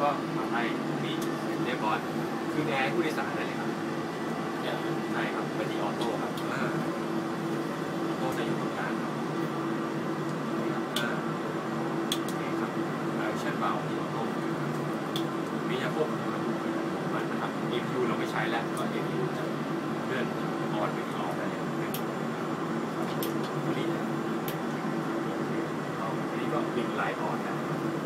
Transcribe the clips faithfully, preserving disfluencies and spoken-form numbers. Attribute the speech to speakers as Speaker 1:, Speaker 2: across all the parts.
Speaker 1: ก็ทำให้มีเรียบร้อยคือแอร์ผู้โดยสารได้เลยครับใช่ครับเป็นที่ออโต้ครับออโต้จะอยู่ตรงกลางครับนี่ครับอ่าโอเคครับเช่นเบาที่ออโต้มีจะควบคุมระบบมันนะครับ เอ พี ยู เราไม่ใช้แล้วก็ เอ พี ยู จะเลื่อนออนไปที่ออฟได้เลยนี่อันนี้ก็บินไลน์ออนนะ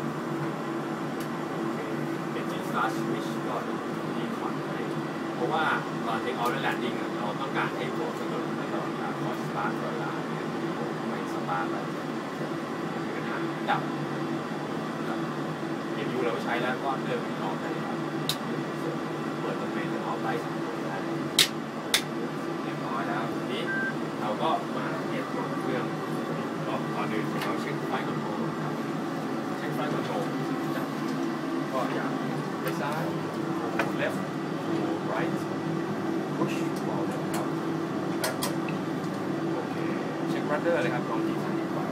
Speaker 1: เป็นจินสตาร์สวิชก็ดีคอนอะไรเพราะว่าตอนเทคออฟและแลนดิ้งเราต้องการให้โปรสะดวกในตลอดเวลาคอยสตาร์ทตลอดเวลาไม่สตาร์ทแล้วมีปัญหาดับเอ พี ยู เราใช้แล้วก็เลื่อนไปที่ออฟได้ครับเปิดตัวเป็นออฟไลท์สองตัวได้เรียบร้อยแล้วทีนี้เราก็มาเปลี่ยนตัวเครื่องก่อนอื่นเราเช็คไฟคอนโทรลครับเช็คไฟคอนโทรลก็อย่างไปซ้าย left to right push เบาเลยครับโอเคเช็ครัดเดอร์เลยครับลองที่ซ้ายดีกว่า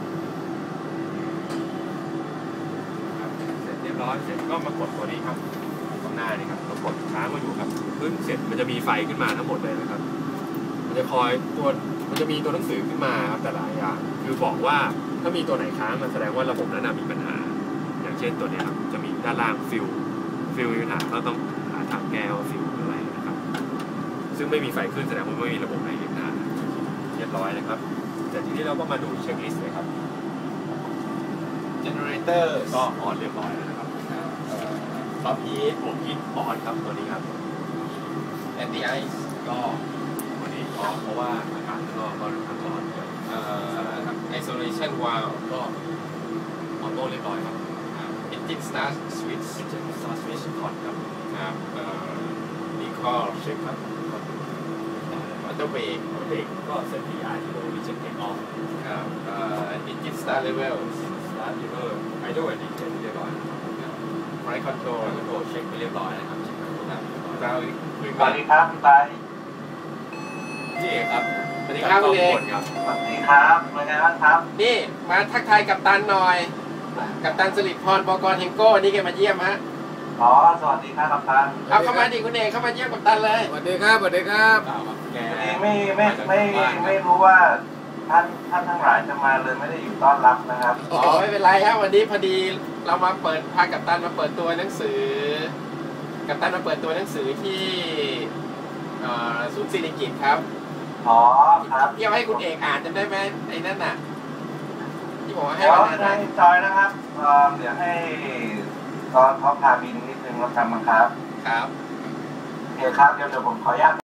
Speaker 1: ครับเสร็จเรียบร้อยเสร็จก็มากดตัวนี้ครับตรงหน้านี่ครับเรากดค้างมาอยู่ครับขึ้นเสร็จมันจะมีไฟขึ้นมาทั้งหมดเลยนะครับมันจะคอยตัวมันจะมีตัวหนังสือขึ้นมาครับแต่ละอย่างคือบอกว่าถ้ามีตัวไหนค้างมันแสดงว่าระบบนั้นมีปัญหาอย่างเช่นตัวนี้ครับจะมีด้านล่างฟิลฟิลมีปัญหาก็ต้องหาทางแก้ว่าฟิลอะไรนะครับซึ่งไม่มีไฟขึ้นแสดงว่าไม่มีระบบไหนเห็นหน้าเรียบร้อยนะครับแต่ทีนี้เราก็มาดูเช็คลิสต์เลยครับ
Speaker 2: generator
Speaker 1: ก็ออนเรียบร้อยแล้วนะครับท็อปฮีทผมฮีทออนครับตัวนี้ครับ
Speaker 2: anti ice
Speaker 1: ก็ตัวนี้ออนเพราะว่าอากาศก็ก็ร้อนร้อนเยอะ
Speaker 2: isolation valve
Speaker 1: ก็ออโต้เรียบร้อยครับ
Speaker 2: engine start switch
Speaker 1: เป็นเจ็ดสตาร์ทสวิตช์คอนครับ
Speaker 2: ครับ recall
Speaker 1: เช็คครับ
Speaker 2: auto brake
Speaker 1: เบรกก็เซตพีอาร์ที่โดยวิจัยเทคออฟ
Speaker 2: ครับ engine start level
Speaker 1: สตาร์ทลิเวอร์ไฮโดรลิกเรียบร้อย
Speaker 2: flight control
Speaker 1: คอนโทรลเช็คไปเรียบร้อยนะครับเช็คไปครับ
Speaker 2: เรา
Speaker 3: สวัสดีครับพี่ไป
Speaker 1: พี่เอกครับ
Speaker 2: สวัสดีครับคุณเอก
Speaker 1: ครับ
Speaker 3: สวัสดีครับเป็นไงบ้างครับ
Speaker 2: นี่มาทักทายกัปตันหน่อยกัปตันสิริพร บก.เฮงโก้นี่แกมาเยี่ยมฮะ
Speaker 3: อ๋อสวัสดีครับกัปตัน
Speaker 2: เอาเข้ามาดิคุณเอกเข้ามาเยี่ยมกัปตันเลย
Speaker 4: สวัสดีครับสวัสดีครับ
Speaker 1: แก
Speaker 3: พอดีไม่ไม่ไม่ไม่รู้ว่าท่านท่านทั้งหลายจะมาเลยไม่ได้อยู่ต้อนรับนะครับ
Speaker 2: อ๋อไม่เป็นไรครับวันนี้พอดีเรามาเปิดพากัปตันมาเปิดตัวหนังสือกัปตันมาเปิดตัวหนังสือที่ศูนย์ศิริกิติ์ครับ
Speaker 3: อ๋อครับ
Speaker 2: ที่เอาให้คุณเอกอ่านจำได้ไหมไอ้นั่นน่ะที่บอกว่าให้
Speaker 3: เดี๋ยว
Speaker 2: วันนั้น
Speaker 3: ให้
Speaker 2: น่ะ
Speaker 3: จอยนะครับเอ่อเดี๋ยวให้ตอนเขาพาบินนิดนึงแล้วกันมั้งครับ
Speaker 2: ครับ
Speaker 3: โอเคครับเดี๋ยวเดี๋ยวผมขออนุญาต